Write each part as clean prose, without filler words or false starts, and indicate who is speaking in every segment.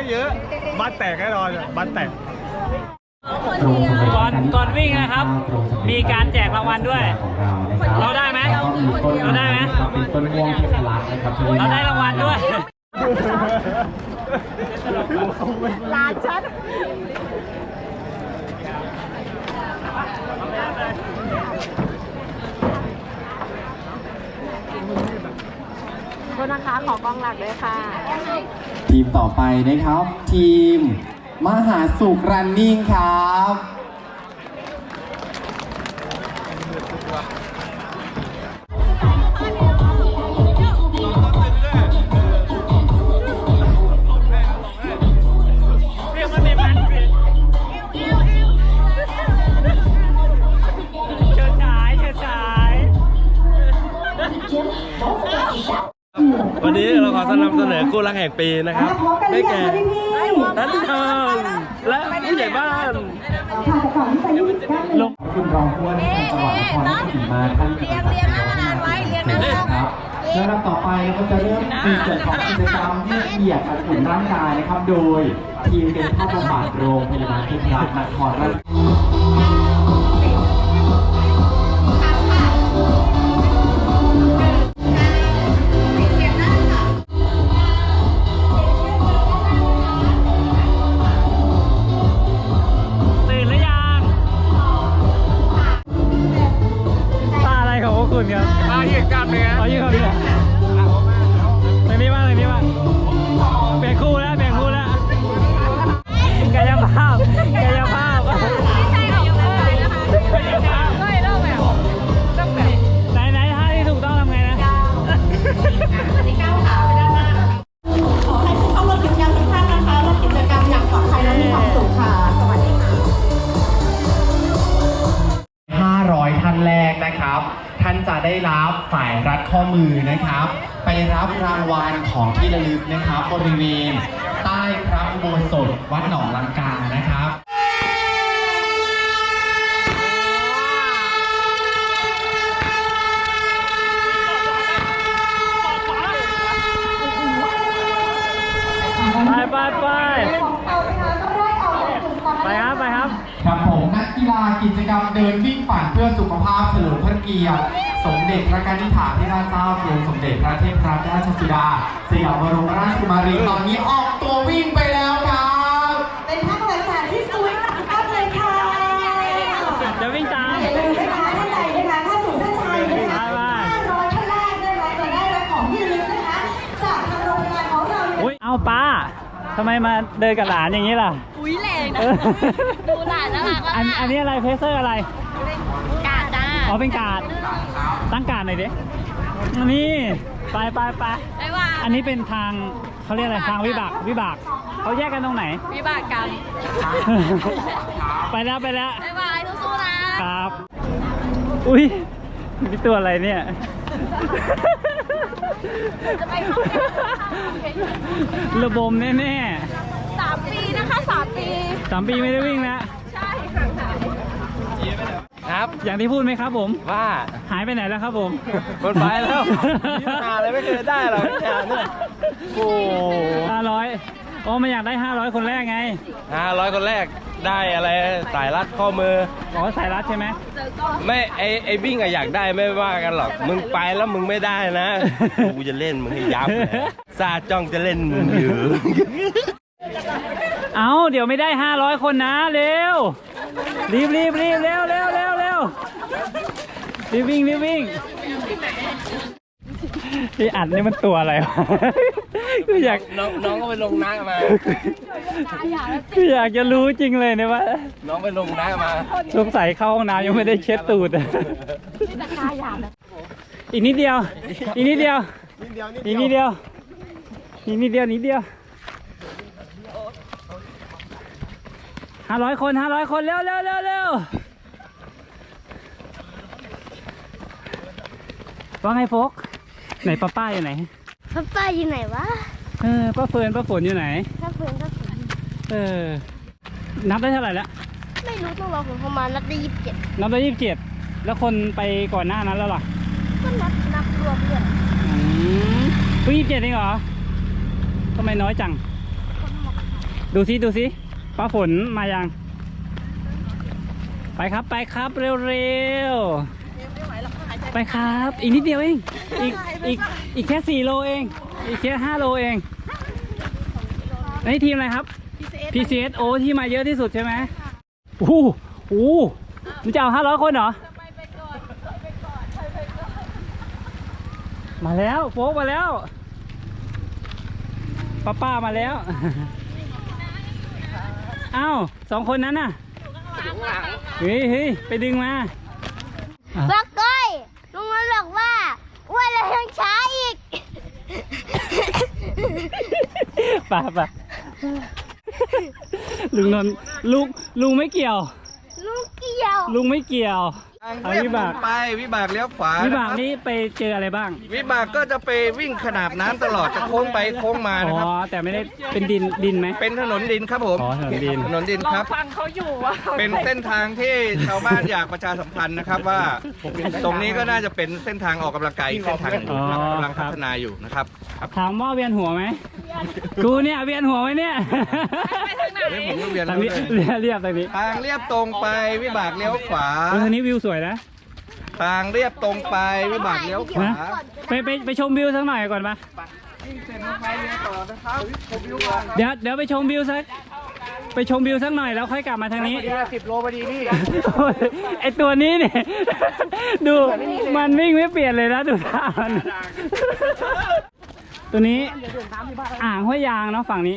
Speaker 1: เยอะบ้านแตกแน่นอนบ้านแตก
Speaker 2: ก่อนวิ่งนะครับมีการแจกรางวัลด้วยเราได้ไหมเราได้ไหม
Speaker 3: เป็นต้นม่วงเทพรัตน์นะครับ
Speaker 2: เราได้รางวัลด้วย
Speaker 4: ลาชัดโทษนะคะขอกล้องหลักด้วยค่ะ
Speaker 3: ทีมต่อไปนะครับทีมมหาสุขรันนิ่งครับ
Speaker 1: วันนี้เราขอนำเสนอคู่รักแห่งปีนะครับได้แก่นันทองและผู้ใหญ่บ้าน
Speaker 3: ลงคุณรองผู้ว่าราชการจังหวัดนครราชสีมาท่านกำลังจะครับแล้วลำต่อไปเราจะเริ่มมีเกิดของกิจกรรมยืดเหยียดการอุ่นร่างกายนะครับโดยทีมเป็นภาพบำบัดโรงพยาบาลเทพรัตน์นครราช
Speaker 1: มาเหยียดกล้ามเนื้อ
Speaker 2: ยืดเขาเนี่ยตรงนี้บ้างเปลี่ยนคู่แล้วกายภาพไหนท่าที่ถูกต้องทำไงนะ
Speaker 4: ขอให้ผู้เข้าร่วมกิจกรรมทุกท่านนะคะร่วมกิจกรรมอย่างปลอดภัยและมีความสุขค่ะสวัสดีค่ะ
Speaker 3: 500 ท่านแรกนะครับท่านจะได้รับสายรัดข้อมือนะครับไปรับรางวัลของที่ระลึกนะครับบริเวณใต้พระอุโบสถวัดหนองลังกานะครับ
Speaker 2: ไปครับ
Speaker 3: ครับผมนักกีฬากิจกรรมเดินวิ่งปั่นเพื่อสุขภาพเฉลิมพระเกียรติสมเด็จพระกนิษฐาธิราชเจ้ากรมสมเด็จพระเทพรัตนราชสุดาสยามบรมราชกุมารีตอนนี้ออกตัววิ่งไปแล้วครับ
Speaker 4: เป็นภาพประวัติศาสตร์ที่สวยมากเลยค่ะ
Speaker 2: จะวิ่งตาม
Speaker 4: อย่าลืมนะคะท่านใดนะคะถ้าสู่เส้นชัยนะคะ500 ท่านแรกนะคะจะได้รับของที่ระลึกนะคะจากทางโรงพยาบาลของเรา
Speaker 2: เอาป้าทำไมมาเดินกับหลานอย่างนี้ล่ะ
Speaker 4: อุ้ยแรงนะดูหลานน่ารัก
Speaker 2: อันนี้อะไรเพเซอร์อะไร
Speaker 4: กาดจ้า
Speaker 2: อ๋อเป็นกาดตั้งกาดหน่อยดินี่ไปอันนี้เป็นทางเขาเรียกอะไรทางวิบากเขาแยกกันตรงไหน
Speaker 4: วิบากกัน
Speaker 2: ไปแล้ว
Speaker 4: บ๊ายบายสู้ๆ
Speaker 2: นะครับอุ้ยนี่ตัวอะไรเนี่ย
Speaker 4: จะไปเข้า
Speaker 2: ระบมแน่
Speaker 4: ๆ3 ปีนะคะ3 ปี
Speaker 2: ไม่ได้วิ่งแล้ว
Speaker 4: ใช่ค่ะ
Speaker 2: ครับอย่างที่พูดไหมครับผม
Speaker 1: ว่า
Speaker 2: หายไปไหนแล้วครับผม
Speaker 1: คนไปแล้วหาอะไรไม่เคยได้หรอกเนี่ยโอ้
Speaker 2: 500อ๋อไม่อยากได้500คนแรกไง
Speaker 1: 500คนแรกได้อะไรสายรัดข้อมือ
Speaker 2: อ๋อสายรัดใช่ไหม
Speaker 1: ไม่ไอวิ่งอะอยากได้ไม่ว่ากันหรอกมึงไปแล้วมึงไม่ได้นะกูจะเล่นมึงให้ยับซาจ้องจะเล่นมึงอยู่
Speaker 2: เอาเดี๋ยวไม่ได้500คนนะเร็วรีบเร็วรีบวิ่งที่อัดนี่มันตัวอะไรวะก็อยาก
Speaker 1: น้องก็ไปลงน้ำมา
Speaker 2: ก็อยากจะรู้จริงเลยเนี่ยว่า
Speaker 1: น้องไปลงน้ำมา
Speaker 2: สงสัยเข้าห้องน้ำยังไม่ได้เช็ดตูดอีกนิดเดียว500 คนเร็วว่าไงโฟกไหนป้าอยู่ไหน
Speaker 4: ป้าอยู่ไหนวะ
Speaker 2: ป้าเฟิร์นป้าฝนอยู่ไหน
Speaker 4: ป้าเฟิร์น
Speaker 2: นับได้เท่าไหร่แล้ว
Speaker 4: ไม่รู้ต้องรอผมประมาณนับได้27
Speaker 2: แล้วคนไปก่อนหน้านั้นแล้วหรอ
Speaker 4: ก็นับรวมเลย
Speaker 2: เพิ่ง27เองเหรอทำไมน้อยจังดูสิป้าฝนมายังไปครับเร็วๆไปครับอีกนิดเดียวเองอีกแค่4 โลเองอีกแค่5 โลเองนี่ทีมอะไรครับ PCS โอที่มาเยอะที่สุดใช่ไหมโอ้โหมึงจะเอา500 คนเหรอมาแล้วโฟกมาแล้วป้ามาแล้วอ้าว2 คนนั้นน่ะเฮ้ยไปดึงมา
Speaker 5: บอกก้อยลุงมันบอกว่าอ้วนแล้วยังช้าอีก
Speaker 2: ป่ะลุงนนท์ลุงไม่เกี่ยว
Speaker 5: ลุงเกี่ยว
Speaker 2: ลุงไม่เกี่ยวเอาวิบาก
Speaker 6: ไปวิบากเลี้ยวขวา
Speaker 2: วิบาก
Speaker 6: นะครับ
Speaker 2: นี้ไปเจออะไรบ้าง
Speaker 6: วิบากก็จะไปวิ่งขนาบน้ำตลอดจะโค้งไปโค้งมา
Speaker 2: อ๋
Speaker 6: นะ
Speaker 2: อ
Speaker 6: ครับ
Speaker 2: แต่ไม่ได้เป็นดินไหม
Speaker 6: เป็นถนนดินครับผม
Speaker 2: อ๋อถนนดิน
Speaker 6: ถนนดินครับฟังเขาอยู่ว่าเป็นเส้นทางที่ชาวบ้านอยากประชาสัมพันธ์นะครับว่า ตรงนี้ก็น่าจะเป็นเส้นทางออกกำลังกายอีกเส้นทางหนึ่งครับกำลังพัฒนาอยู่นะครับ
Speaker 2: ถามว่าเวียนหัวไหมกูเนี่ยเวียนหัวไหมเนี่ย
Speaker 6: ผมก็เวียน
Speaker 2: ทางนี้
Speaker 6: แล้ว
Speaker 2: เรียบทางนี้
Speaker 6: ทางเรียบตรงไปวิบากเลี้ยวขวา
Speaker 2: ทางนี้วิวสวยนะ
Speaker 6: ทางเรียบตรงไปวิบากเลี้ยวขวา
Speaker 2: นะไปชมวิวสักหน่อยก่อนปะเดี๋ยวไปชมวิวสักหน่อยแล้วค่อยกลับมาทางนี้
Speaker 6: 10 โลพอดีพี่
Speaker 2: ไอตัวนี้เนี่ยดูมันวิ่งไม่เปลี่ยนเลยนะดูท่ามันตัวนี้อ่างห้วยยางเนาะฝั่งนี้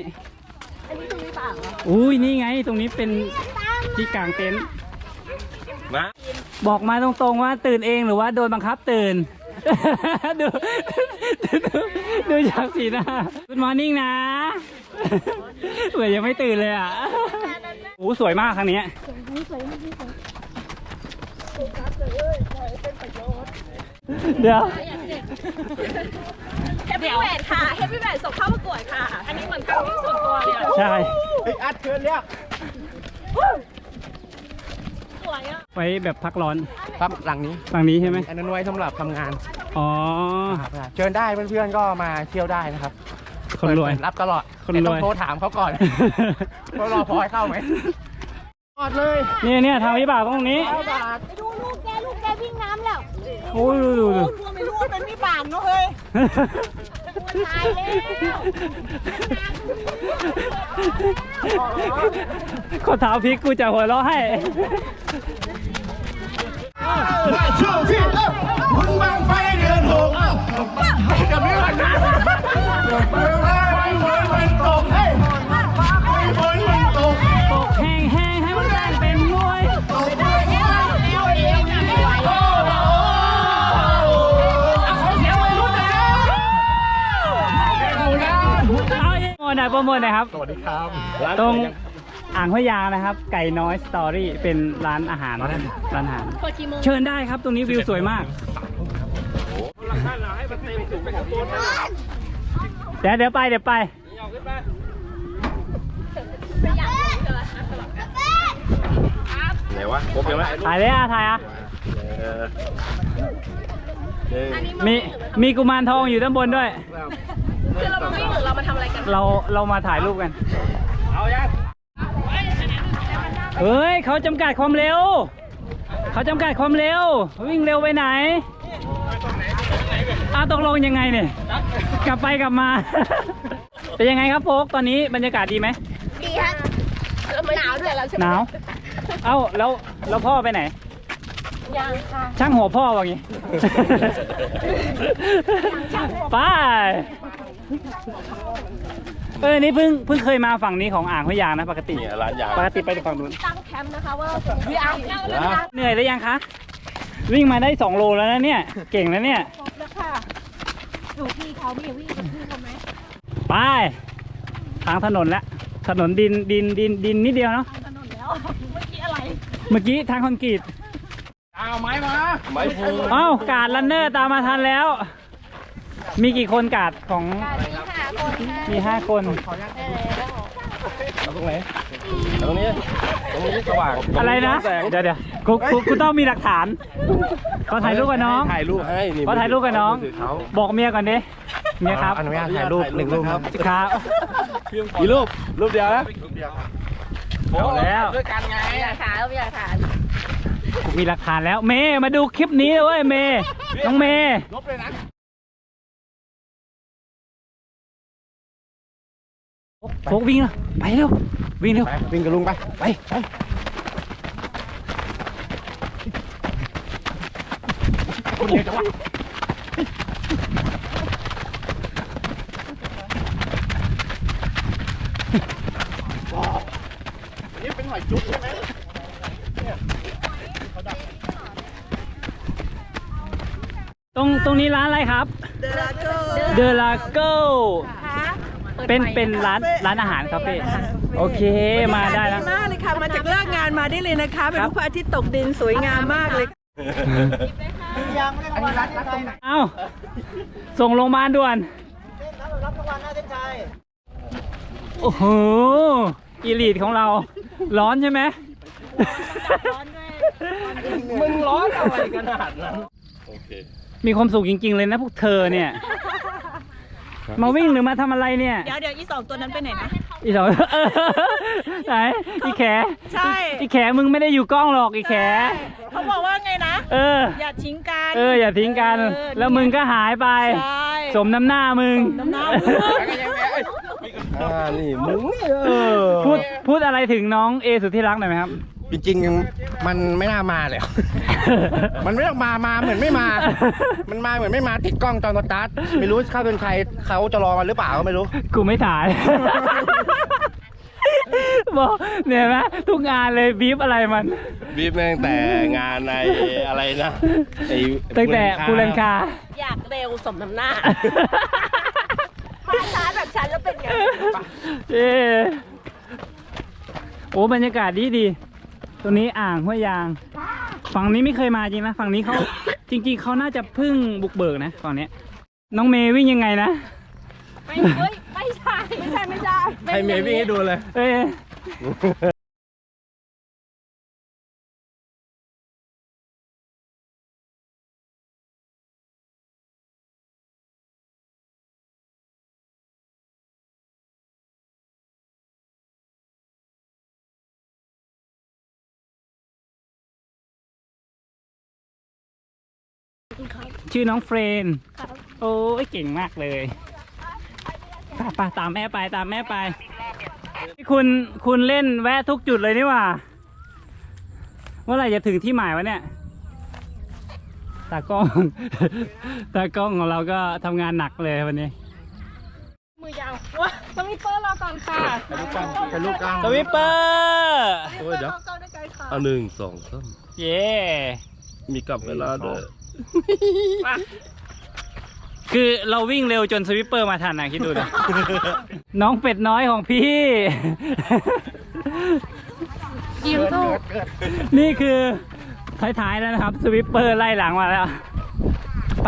Speaker 2: อุ้ยนี่ไงตรงนี้เป็นที่กางเต็นท์
Speaker 1: มา
Speaker 2: บอกมาตรงๆว่าตื่นเองหรือว่าโดนบังคับตื่น ดูจากสีหน้า Good morning นะ เหมือนยังไม่ตื่นเลยอ่ะโอ้สวยมากครั้งนี้เดี๋ยว
Speaker 7: เฮปปี้แหวนค่ะเฮปปี้แหวนส่งเข้าประกวดค่ะ อันนี้เหมือนการวิ่งส่วนตัวเลย
Speaker 2: ใช่
Speaker 6: อัดเชิญเรียก
Speaker 7: สวยอ่ะ
Speaker 2: ไว้แบบพักร้อน
Speaker 8: ครับหลังนี้
Speaker 2: ฝั่งนี้ใช่ไหม
Speaker 8: อันนั้นไว้สำหรับทำงาน
Speaker 2: อ๋อ
Speaker 8: เชิญได้เพื่อนๆก็มาเที่ยวได้นะครับ
Speaker 2: คนรวย
Speaker 8: เปิดรับตลอด
Speaker 2: คนรวย
Speaker 8: แต่ต้องโทรถามเขาก่อนว่ารอพอยเข้าไหมหมดเลย
Speaker 2: เนี่ยทางวิบากตรงนี้
Speaker 5: ไปดูลูกแกวิ่งน้ำแล้ว
Speaker 2: โอ้ยดู
Speaker 7: ไม่รู้ว่าเป็นวิบากเนาะเฮ้ย
Speaker 5: ตายแล้ว
Speaker 2: ขอเท้าพริกกูจะหัวเราะให้ ตกแห้งให้มันแรงเป็นมวยโปรโมทหน่อยครับ
Speaker 8: สวัสดีครับ
Speaker 2: ตรงอ่างห้วยยางนะครับ ไก่น้อยสตอรี่เป็นร้านอาหารเชิญได้ครับตรงนี้วิวสวยมากเดี๋ยวไป
Speaker 1: ไหนวะครบยังไหม
Speaker 2: ถ่ายเลยถ่ายมีกุมารทองอยู่ด้านบนด้วย
Speaker 7: คือเรามาวิ่งหรือเรามาทำอะไรกัน
Speaker 2: เรามาถ่ายรูปกันเฮ้ยเขาจำกัดความเร็ววิ่งเร็วไปไหนตกลงยังไงเนี่ยกลับไปกลับมา เป็นยังไงครับโฟกตอนนี้บรรยากาศดีไหม
Speaker 5: ดีครับ
Speaker 7: หนาวด้วยแล้วใช่ไหม
Speaker 2: หนาวแล้วพ่อไปไหน
Speaker 7: ยังค่ะ
Speaker 2: ช่างหัวพ่อว่างี้ ไปนี่เพิ่งเคยมาฝั่งนี้ของอ่างห้วยยางนะปกติ
Speaker 1: เนี่ยร้านยาง
Speaker 2: ปกติไปฝั่งนู้น
Speaker 7: ตั้งแคมป์นะคะว่าวิอาร์
Speaker 2: เหนื่อยหรือยังคะวิ่งมาได้2 โลแล้วนะเนี่ยเก่งแล้วเนี่ย
Speaker 7: แล้วค่ะดูพี่เขาไม่วิ่งกับพี่เขาไหม
Speaker 2: ไปทางถนนแล้วถนนดินนิดเดียวเนาะ
Speaker 7: ถนนแล้วเมื่อกี้อะไร
Speaker 2: เมื่อกี้ทางคอนกรีต
Speaker 8: เอาไม้มา
Speaker 1: ไม้พู
Speaker 2: กาดรันเนอร์ตามมาทันแล้ว มีกี่คนกาดของมี5 คน
Speaker 1: เอาตรงไหนเอาตรงนี้สว่าง
Speaker 2: อะไรนะ
Speaker 1: แสง
Speaker 2: เดี๋ยวกูต้องมีหลักฐานขอถ่ายรูปกับน้อง
Speaker 1: ถ่ายรูปให้นี่
Speaker 2: ขอถ่ายรูปกับน้อง
Speaker 1: มืถืเขา
Speaker 2: บอกเมียก่อนดิเนี่ยครับ
Speaker 8: อนุญาตถ่ายรูป1 รูปครับ
Speaker 2: ครับ
Speaker 8: กี่รูป รูปเดียวนะ
Speaker 2: เอาแล้ว
Speaker 8: ด้วยกันไง
Speaker 7: อยากถ่ายอยากถ่าย
Speaker 2: กูมีหลักฐานแล้วเมย์มาดูคลิปนี้เลยเว้ยเมย์น้องเมย์
Speaker 8: ลบเลยนะ
Speaker 2: โฟกวิ่งแล้วไปเร็ววิ่งเร็ว
Speaker 8: ไปวิ่งกับลุงไป
Speaker 2: ไป
Speaker 8: คนเดียวจังวะนี่เป็นหอยจุ๊บใช่ไหม
Speaker 2: ตรงนี้ร้านอะไรครับเดลาโก้เป็นร้านอาหารครับพี่โอเคมาได้แล้ว
Speaker 9: มากเลยค่ะ มาจากเลิกงานมาได้เลยนะคะ เป็นรูปพระอาทิตย์ตกดินสวยงามมากเลย
Speaker 2: เอ้าส่งโรงพยาบาลด่วนโอ้โหอีลีทของเราร้อนใช่ไหม
Speaker 1: มึงร้อนอะไรขนาดนั้น
Speaker 2: มีความสุขจริงๆเลยนะพวกเธอเนี่ย มาวิ่งหรือมาทำอะไรเนี่ย
Speaker 7: เดี๋ยวอี2 ตัวนั้นไปไหนนะ
Speaker 2: อีสองไหนอีแข
Speaker 7: ใช่
Speaker 2: อีแขมึงไม่ได้อยู่กล้องหรอกอีแข
Speaker 7: เขาบอกว่าไงนะ อย่าทิ้งกัน
Speaker 2: อย่าทิ้งกัน แล้วมึงก็หายไป
Speaker 7: ใช่
Speaker 2: สมน้ำหน้ามึง
Speaker 7: น้ำหน้า
Speaker 1: นี่มึงนี่
Speaker 2: พูดอะไรถึงน้องเอสุดที่รักหน่อยไหมครับ
Speaker 8: จริงๆมันไม่น่ามาเลย มันไม่ต้องมาเหมือนไม่มา มันมาเหมือนไม่มาติดกล้องตอนสตาร์ทไม่รู้เข้าเป็นใครเขาจะรอกันหรือเปล่าก็ไม่รู้
Speaker 2: กูไม่ถ่าย บอกเนี่ยไหมทุกงานเลยบีบอะไรมัน
Speaker 1: บีบแม่งแต่งานในอะไรนะไอ้
Speaker 2: ตั้งแต่กูเลนคา
Speaker 7: อยากเร็วสมน้ำหน้า มาช้าแบบฉันแล้วเป็นไง
Speaker 2: โอ้บรรยากาศดีตรงนี้อ่างห้วยยาง ฝั่งนี้ไม่เคยมาจริงนะฝั่งนี้เขาจริงๆเขาน่าจะเพิ่งบุกเบิกนะฝั่งนี้น้องเมย์วิ่งยังไงนะ
Speaker 7: ไม่ใช่
Speaker 1: ให้เมย์วิ่งให้ดูเลย
Speaker 2: ชื่อน้องเฟรนโอ้ยเก่งมากเลยไปตามแม่ไปคุณเล่นแวะทุกจุดเลยนี่หว่าเมื่อไหร่จะถึงที่หมายวะเนี่ยตากล้องของเราก็ทำงานหนักเลยวันนี้
Speaker 7: มือยาวว้าสวิปเปอร์รอก่อนค่ะ
Speaker 8: เป็นลูกกลาง
Speaker 2: สวิปเปอร์
Speaker 1: โอ้ยเดี๋ยว
Speaker 7: ก็ได้ไกลค่ะ
Speaker 1: เอา1 2 3
Speaker 2: เย่
Speaker 1: มีกลับเวลาด้วย
Speaker 2: คือเราวิ่งเร็วจนสวิปเปอร์มาทันนะคิดดูนะ น้องเป็ดน้อยของพี่
Speaker 7: ยิ้มสู้
Speaker 2: นี่คือท้ายๆแล้วนะครับสวิปเปอร์ไล่หลังมาแล้ว ไป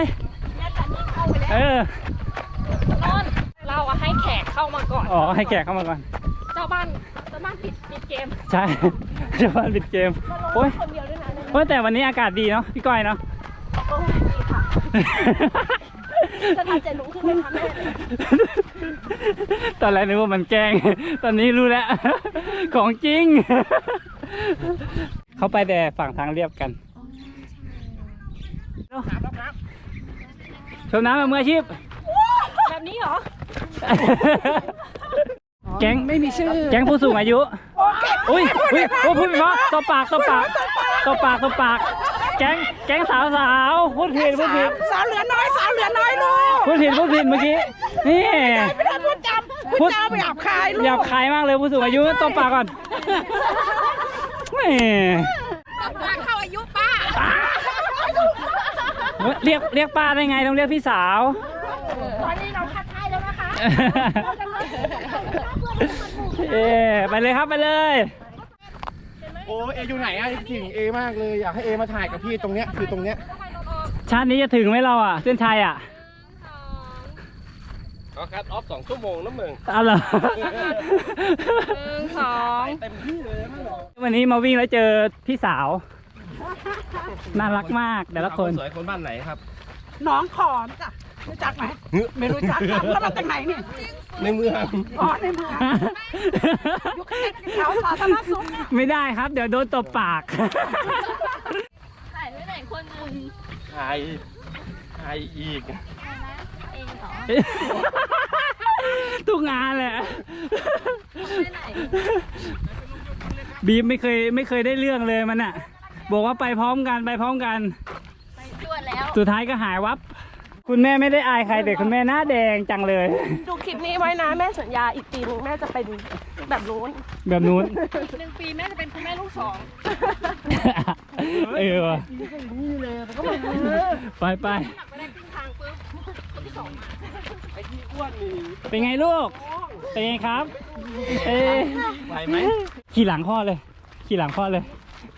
Speaker 7: เราให้แขกเข้ามาก่อน
Speaker 2: อ๋อให้แขกเข้ามาก่อน
Speaker 7: เจ้าบ้านปิดเกม
Speaker 2: ใช่เจ้าบ้านปิดเกมโอ้ย
Speaker 7: คนเดียวด้วยนะ
Speaker 2: โอ้ยแต่วันนี้อากาศดีเนาะพี่ก้อยเนาะ
Speaker 7: โอ้ยดีค่ะสถานใจลุกขึ้นไหมคะแม่
Speaker 2: ตอนแรกนึกว่ามันแกล้ง ตอนนี้รู้แล้ว ของจริง เขาไปแต่ฝั่งทางเรียบกันชมน้ำแบบมืออาชีพ
Speaker 7: แบบนี้เหรอ
Speaker 2: แก๊งไม่มีชื่อ แก๊งผู้สูงอายุอุ้ยพูดไม่เพราะตบปาก แก๊งสาวพูดผิด
Speaker 9: สาวเหลือน้อยลูก
Speaker 2: พูดผิดเมื่อกี้ นี่
Speaker 9: ไม่ได้พูดจำไปหยาบคายลูก
Speaker 2: หยาบคายมากเลยผู้สูงอายุตบปากก่อนแหม
Speaker 7: เข้าอายุป้า
Speaker 2: เรียกป้าได้ไงต้องเรียกพี่สาว
Speaker 7: ตอนนี้เราคัดท้ายแล้วนะคะ
Speaker 2: ไปเลยครับไปเลย
Speaker 8: โอ้เออยู่ไหนอะถึงเอมากเลยอยากให้เอมาถ่ายกับพี่ตรงเนี้ยคือตรงเนี้ย
Speaker 2: ชาตินี้จะถึงไหมเราอ่ะเส้นชัยอ่ะ
Speaker 1: ก็คัดออฟ2 ชั่วโมงนะมึง
Speaker 2: เอาเหรอ
Speaker 7: 1 2
Speaker 1: เต็มที่เลยนะ
Speaker 2: วันนี้มาวิ่งแล้วเจอพี่สาว น่ารักมากแต่ละคน
Speaker 1: สวยคนบ้านไหนครับ
Speaker 9: น้องขอนจ้ะรู้จักไหมไม่รู้จักครับแล้วมาจากไหนเนี่ย
Speaker 1: ในเมือง
Speaker 9: อ๋อในเมืองอยู่ข้างในแถวสาธารณสุข
Speaker 2: ไม่ได้ครับ เดี๋ยวโดนตบปาก
Speaker 7: ถ่ายไว้ไหนคนหนึ่ง
Speaker 1: ใครอีก
Speaker 7: เองเหรอ
Speaker 2: ทุกงานแหละ
Speaker 7: ไปไหน
Speaker 2: บีมไม่เคยได้เรื่องเลยมันอ่ะ บอกว่าไปพร้อมกัน
Speaker 7: ไปตรวจแล้ว
Speaker 2: สุดท้ายก็หายวับ คุณแม่ไม่ได้อายใครแต่คุณแม่หน้าแดงจังเลย
Speaker 7: ดูคลิปนี้ไว้นะแม่สัญญาอีกปีนึงแม่จะเป็นแบบนู้น
Speaker 2: แบบนู้น
Speaker 7: อีก1 ปีแม่จะเป็นคุณแม่ลูก2
Speaker 2: เออว่ะไป
Speaker 7: ไม่ได้ครึ่งทางปุ๊บคนที่ 2 มา
Speaker 2: เป็นไงลูก เป็นไงครับ
Speaker 1: ไหวไหม
Speaker 2: ขี่หลังพ่อเลย ขี่หลังพ่อเลย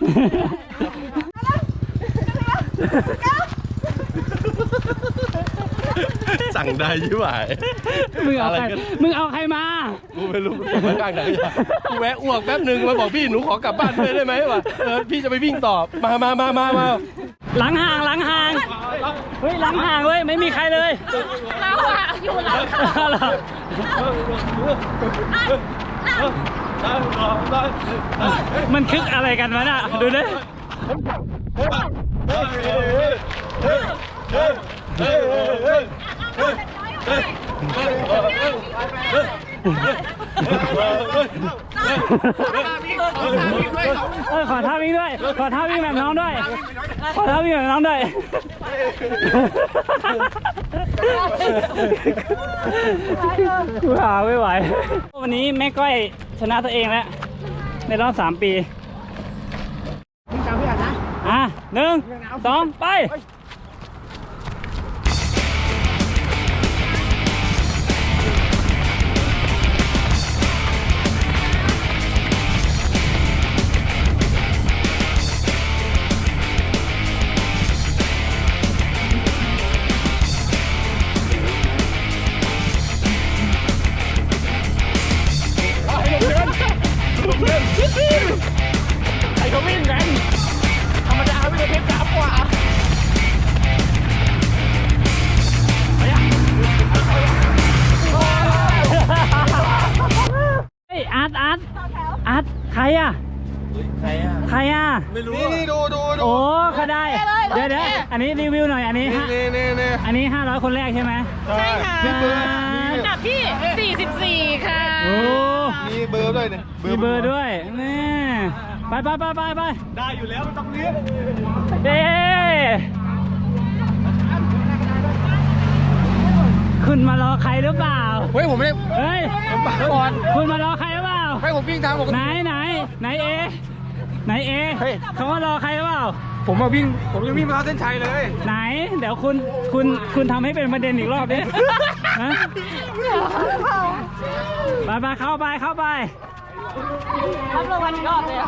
Speaker 1: สั่งได้ยี่หวาย
Speaker 2: มึงเอาใคร มึงเอาใครมา
Speaker 1: กูไม่รู้กูไม่กล้าไหนกูแวะอ้วกแป๊บนึงมาบอกพี่หนูขอกลับบ้านด้วยได้ไหมวะพี่จะไปวิ่งต่อมา
Speaker 2: หลังห่างเฮ้ยหลังห่างเว้ยไม่มีใครเลย
Speaker 7: เราอะอยู่หลังเขา
Speaker 2: เหรอมันคึกอะไรกันวะน่ะดูดิขอท่าวิ่งด้วย ขอท่าวิ่งแบบน้องด้วย ขอท่าวิ่งแบบน้องด้วยกูหาไม่ไหววันนี้แม่ก้อยชนะตัวเองแล้วในรอบ3 ปี1 2 ไปอาร์ตใครอ่ะ
Speaker 1: ไม่รู้
Speaker 6: นี่ดู
Speaker 2: โอ้เขาได้ เดี๋ยวอันนี้รีวิวหน่อย อันนี้อันนี้500 คนแรกใช่ไหม
Speaker 6: ใช่ค่ะ
Speaker 7: อันดับที่ 44 ค่ะ
Speaker 2: โอ้
Speaker 6: มีเบอร์ด้วยเนี่ย
Speaker 2: มีเบอร์ด้วยนี่ไปได้อยู่แล้วไม่ต้องเลี้ยงเย้คุณมารอใครหรือเปล่า
Speaker 8: เฮ้ยผมไม่ได้
Speaker 2: เฮ้ย
Speaker 8: ก่อน
Speaker 2: คุณมารอใครหรือเปล่า
Speaker 8: ให้ผมวิ่งทางปกติ
Speaker 2: ไหนเอ
Speaker 8: เฮ้ย
Speaker 2: เขามารอใครหรือเปล่า
Speaker 8: ผมยังวิ่งมาเส้นชัยเลย
Speaker 2: ไหน เดี๋ยวคุณทำให้เป็นประเด็นอีกรอบดิฮะไปเข้าไป
Speaker 7: รับรางวัลอีกรอบเลยอะ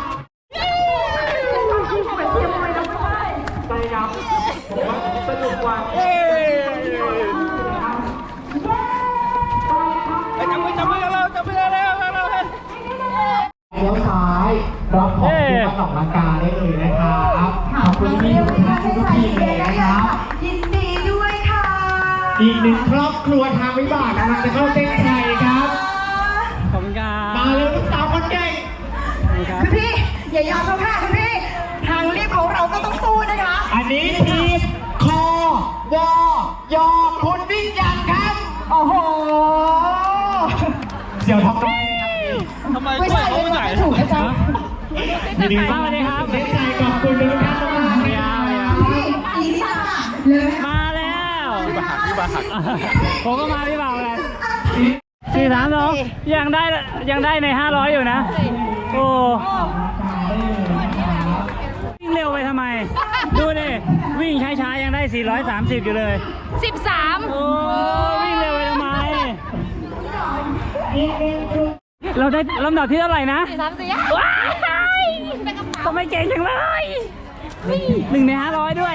Speaker 3: เลี้ยวซ้ายรับของที่มาออกกำลังกายได้เลยนะครับขอบคุณพี่ทุกทีมเลยนะครับ
Speaker 4: ยินดีด้วยค่ะ
Speaker 3: อีกหนึ่งครอบครัวทางวิบากกำลังจะเข้าเส้นชัยครับ
Speaker 2: ขอบคุณครับ
Speaker 3: มาเลยลูกสาวคนเก่ง
Speaker 4: คุณพี่อย่ายอมเขาค่ะคุณพี่ทางรีบของเราก็ต้องสู้นะคะ
Speaker 3: อันนี้ทีมคอวอยอคุณวิ่งยังครับ
Speaker 4: โอ้โห
Speaker 3: เสี่ยวทำไม
Speaker 4: ไม่ใช่ไม่ใช่ถูกนะจ๊ะ
Speaker 3: ยินดี
Speaker 2: สวัสดีครับ
Speaker 3: เส้นชัยขอบคุณทุกท่านมากๆนะครับ
Speaker 4: พี่อีนี่ค่ะเลย
Speaker 2: มาแล้วพี่บาหักผมก็มาพี่บ่าวเลย432ยังได้ใน500อยู่นะ โอ้วิ่งเร็วไปทำไม ดูดิวิ่งช้าๆยังได้430อยู่เลย
Speaker 7: 13
Speaker 2: โอ้วิ่งเร็วไปทำไม เราได้ลำดับที่เท่าไหร่นะ
Speaker 7: 4 ว้ายเป็นกระเป๋า
Speaker 2: ทำไมเก่งจังเลย1 ใน 500ด้วย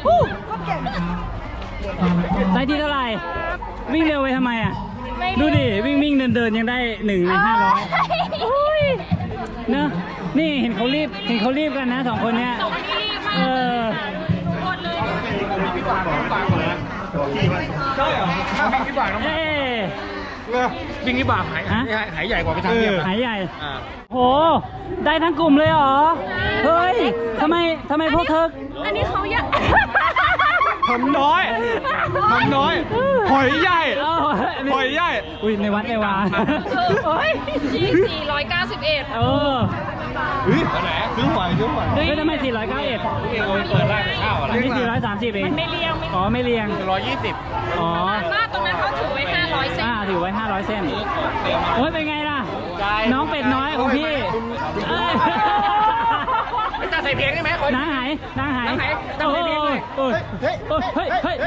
Speaker 2: ได้ที่เท่าไหร่ วิ่งเร็วไปทำไมอ่ะ ดูดิวิ่งเดินยังได้1 ใน 500เนอะนี่เห็นเขารีบกันนะ2 คนเนี้ย
Speaker 7: 2 นี่รีบมาก
Speaker 2: เออ
Speaker 7: หมดเลย
Speaker 8: ใช่เหรอวิ่งที่บ่าน้อง
Speaker 2: เอ้
Speaker 8: วิ่งที่บ่าหายใหญ่กว่าไปทางเรียบ
Speaker 2: หายใหญ่โหได้ทั้งกลุ่มเลยเหรอเฮ้ยทำไมพวกเธอ
Speaker 7: อันนี้เขาอยาก
Speaker 8: ทำน้อยหอยใหญ่
Speaker 2: เอ้า
Speaker 8: หอยใหญ่
Speaker 2: อุ้ยในวัดในวา
Speaker 7: โอ้ย491
Speaker 2: เออ
Speaker 8: เฮ้ยไหนซื้อหอย
Speaker 2: เฮ้ยทำไม491
Speaker 8: เองเอาไปเปิดร้านข้าวอะไร
Speaker 2: อันนี้430เองไม่เรียงอ๋อไม่เรียง
Speaker 8: 120
Speaker 2: อ๋อ
Speaker 7: มาตรงนั้นเขาถือไว้500เซน
Speaker 2: ถือไว้500เส้นโอ้ยเป็นไงล่ะน้องเป็ดน้อยของพี่เอ้ย
Speaker 8: จะใส่เพลงได้ไหมคน
Speaker 2: นางหาย
Speaker 8: ต้องใส่เพลงเลย
Speaker 2: เฮ้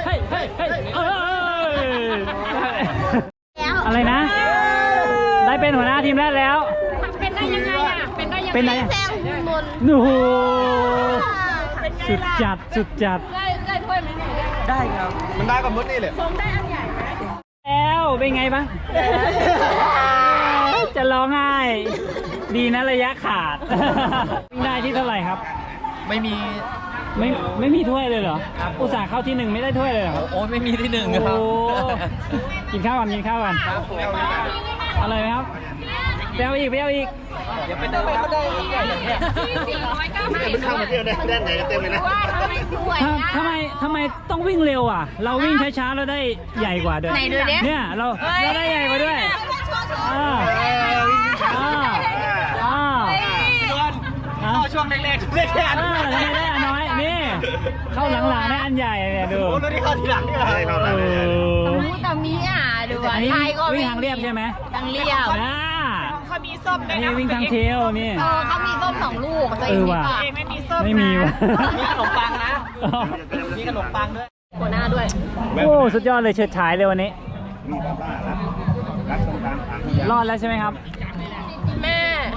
Speaker 2: ยอะไรนะ ได้เป็นหัวหน้าทีมแรกแล้ว
Speaker 7: เป็นได้ยังไงอ่ะ เป็นได้ยังไง
Speaker 2: เป็นไง
Speaker 5: แซงคุณมนต์
Speaker 2: โอ้โหสุดจัด
Speaker 7: ได้ถ้วยไหมเนี่ย
Speaker 6: ได้ครับ
Speaker 8: มันได้กับมดนี่เลย
Speaker 7: ผมได้อันใหญ่ไหม
Speaker 2: แล้วเป็นไงบ้างจะร้องไห้ ดีนะระยะขาดวิ่งได้ที่เท่าไหร่ครับ
Speaker 6: ไม่มี
Speaker 2: ไม่มีถ้วยเลยเหรอ อุตส่าห์เข้าที่หนึ่งไม่ได้ถ้วยเลยเหรอ
Speaker 6: โอ้ไม่มีที่หนึ่ง
Speaker 2: โอ้
Speaker 6: ครับ
Speaker 2: โหกินข้าวก่อนอร่อยไหมครับไปเอาอีก
Speaker 6: อย่าไปเดินครับ
Speaker 7: ที่491
Speaker 8: ข้าวมาเที่ยวได้ไหนกันเต็มเลยนะ
Speaker 7: ว่าทำไมสวย
Speaker 2: ทำไมต้องวิ่งเร็วอ่ะ เราวิ่งช้าๆเราได้ใหญ่กว่าด้วย
Speaker 7: ไหนดูดิ
Speaker 2: เนี่ยเราได้ใหญ่กว่าด้วย
Speaker 8: ช่วงแรกๆได้แค่อัน
Speaker 2: ทำไมได้อันน้อยนี่เข้าหลังๆได้อันใหญ่เนี่ยดู
Speaker 8: รู้ที่เข้าทีหลังนี่เหรอ
Speaker 7: แต่มีดู
Speaker 2: อันนี้
Speaker 7: ไทยก็
Speaker 2: วิ่งทางเรียบใช่ไหม
Speaker 7: ทางเรียบ
Speaker 2: เขามีส้มอันนี้วิ่งทางเทลนี่
Speaker 7: เขามีส้ม2 ลูกตัว
Speaker 2: เอ
Speaker 7: เอง
Speaker 2: อ
Speaker 7: มี
Speaker 2: ว่ะ
Speaker 7: ป่ะ
Speaker 2: ไม่มีว่ะ
Speaker 6: มีขนมปังนะ มีขนมปังด้วย
Speaker 7: หัวหน้าด้วย
Speaker 2: โอ้สุดยอดเลยเฉิดฉายเลยวันนี้ รอดแล้วใช่ไหมครับ
Speaker 7: แม่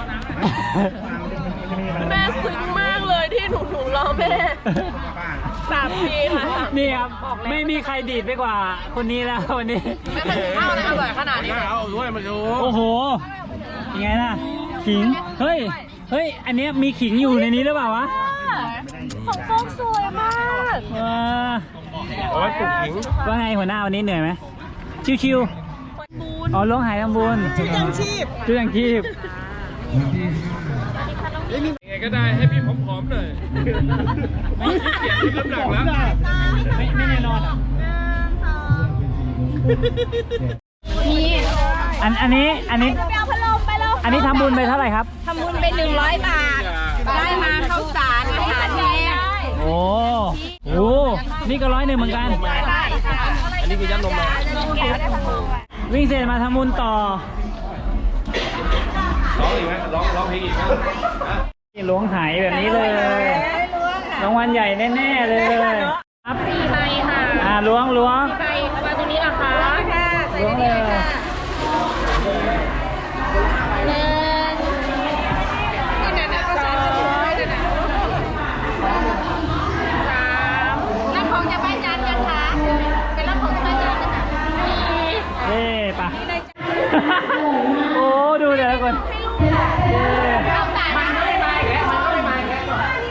Speaker 7: แม่ซึ้งมากเลยที่หนูรอแม่3 ปีค่ะ
Speaker 2: นี่ครับ ไม่มีใครดีดไปกว่าคนนี้แล้ววันนี้
Speaker 7: แม่ถึงข้าวนะอร่อยขนาดนี้
Speaker 8: เอาด้วยมาดู
Speaker 2: โอ้โหยังไงล่ะ ขิง เฮ้ย อันเนี้ยมีขิงอยู่ในนี้หรือเปล่าวะ
Speaker 7: ของโฟกสวยมาก
Speaker 8: เอาไว้ปลูกหิง
Speaker 2: ว่าไงหัวหน้าวันนี้เหนื่อยไหมชิวๆอ๋อล้วงหายทำบุญชื่อยังชีพ
Speaker 8: ยังไงก็ได้ให้พี่ผอมๆหน่อยไม่ขี้เกียจลดน้ำหนักแล้ว
Speaker 2: ไม่แน่นอนอ่ะ
Speaker 7: นี่
Speaker 2: อันนี้
Speaker 7: ไปเอาพัดลมไปแล้ว
Speaker 2: อันนี้ทำบุญไปเท่าไหร่ครับ
Speaker 7: ทำบุญไป100 บาท ได้มาข้าวสารอาหารแห้ง
Speaker 2: โอ้โหนี่ก็101เหมือนกัน
Speaker 7: ได้ค่ะ
Speaker 8: อันนี้คือยัดลมมา
Speaker 2: วิ่งเสร็จมาทำบุญต่อ
Speaker 8: ร้องอีกไหมร้องเพลงอีกไหม
Speaker 2: ล้วงหายแบบนี้เลยรางวัลใหญ่แน่ๆเลยครับ
Speaker 7: 4 ใบค่ะ
Speaker 2: ล้วง
Speaker 7: 4 ใบมาตรงนี้นะคะ
Speaker 2: ล้วงเลย
Speaker 7: รับของจะบ้านจันกันคะเป็นรับของจะบ้านจันกันนะ
Speaker 2: เย้ปะโอ้ดูแต่ละคนเย้
Speaker 7: ข้าวสารมันก็เลยมาอีกแล้วมันก็เลยมาอีกแล้ว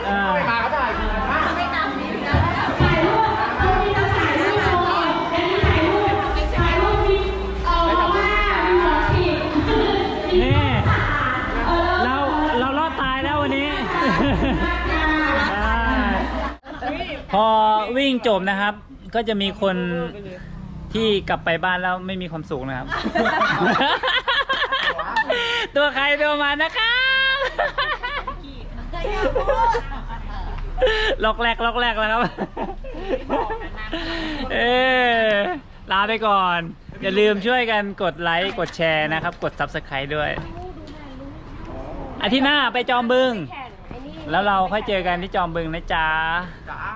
Speaker 2: นี่เรารอดตายแล้ววันนี้ พอวิ่งจบนะครับ ก็จะมีคนที่กลับไปบ้านแล้วไม่มีความสุขนะครับ ตัวใครตัวมันนะครับล็อกแรกแล้วครับ ลาไปก่อน อย่าลืมช่วยกันกดไลค์กดแชร์นะครับ กด Subscribe ด้วย อาทิตย์หน้าไปจอมบึง แล้วเราค่อยเจอกันที่จอมบึงนะจ๊ะ